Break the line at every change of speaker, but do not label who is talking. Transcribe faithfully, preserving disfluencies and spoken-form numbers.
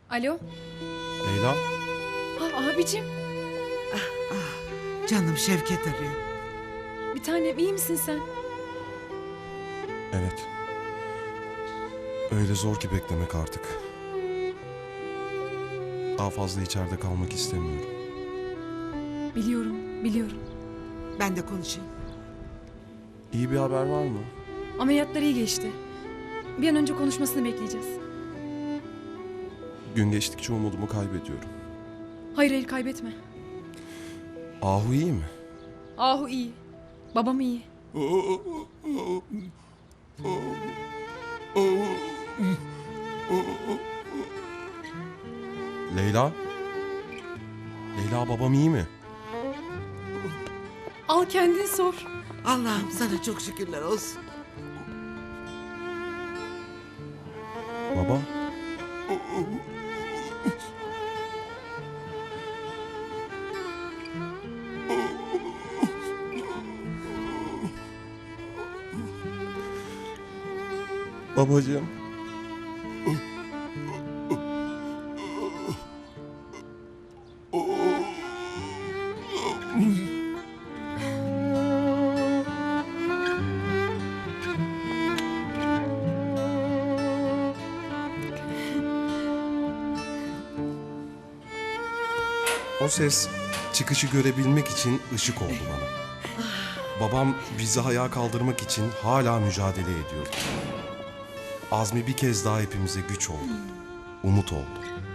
Alo?
Leyla?
Ha, abicim.
Canım Şevket arıyor.
Bir tanem iyi misin sen?
Evet. Öyle zor ki beklemek artık. Daha fazla içeride kalmak istemiyorum.
Biliyorum, biliyorum.
Ben de konuşayım.
İyi bir haber var mı?
Ameliyatlar iyi geçti. Bir an önce konuşmasını bekleyeceğiz.
Gün geçtikçe umudumu kaybediyorum.
Hayır hayır kaybetme.
Ahu iyi mi?
Ahu iyi. Babam iyi.
Leyla? Leyla babam iyi mi?
Al kendin sor.
Allah'ım sana çok şükürler olsun.
Baba? Babacığım. O ses çıkışı görebilmek için ışık oldu bana. Babam bizi ayağa kaldırmak için hala mücadele ediyordu. Azmi bir kez daha hepimize güç oldu. Umut oldu.